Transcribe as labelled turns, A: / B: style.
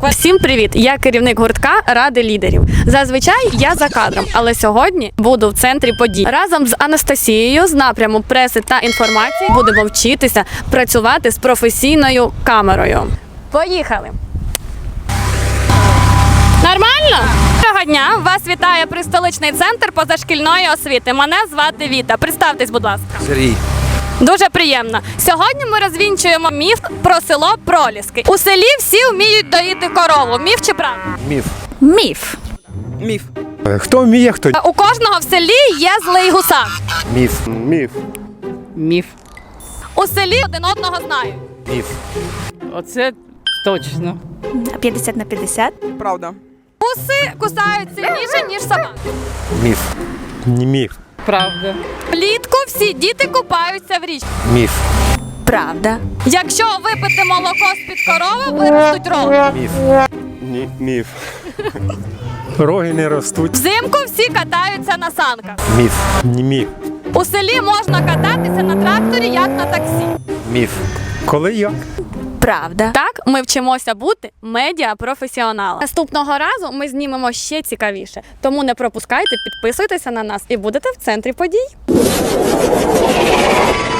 A: Всім привіт! Я керівник гуртка Ради лідерів. Зазвичай я за кадром, але сьогодні буду в центрі подій. Разом з Анастасією з напряму преси та інформації будемо вчитися працювати з професійною камерою. Поїхали! Нормально? Доброго дня! Вас вітає Пристоличний центр позашкільної освіти. Мене звати Віта. Представтесь, будь ласка.
B: Сергій.
A: Дуже приємно. Сьогодні ми розвінчуємо міф про село Проліски. У селі всі вміють доїти корову. Міф чи правда?
B: Міф.
A: Міф.
B: Міф.
C: Хто вміє, хто?
A: У кожного в селі є злий гусак.
B: Міф.
C: Міф.
D: Міф.
A: У селі один одного знають.
B: Міф.
D: Оце точно.
E: 50/50.
F: Правда.
A: Гуси кусають сильніше, ніж собаки.
B: Міф.
C: Ні, міф.
D: Правда.
A: Влітку всі діти купаються в річці.
B: Міф.
E: Правда.
A: Якщо випити молоко з-під корови, виростуть роги.
B: Міф.
C: Ні, міф. Роги не ростуть.
A: Взимку всі катаються на санках.
B: Міф.
C: Ні, міф.
A: У селі можна кататися на тракторі, як на таксі.
B: Міф.
C: Коли як?
E: Правда.
A: Так, ми вчимося бути медіапрофесіоналами. Наступного разу ми знімемо ще цікавіше. Тому не пропускайте, підписуйтеся на нас і будете в центрі подій.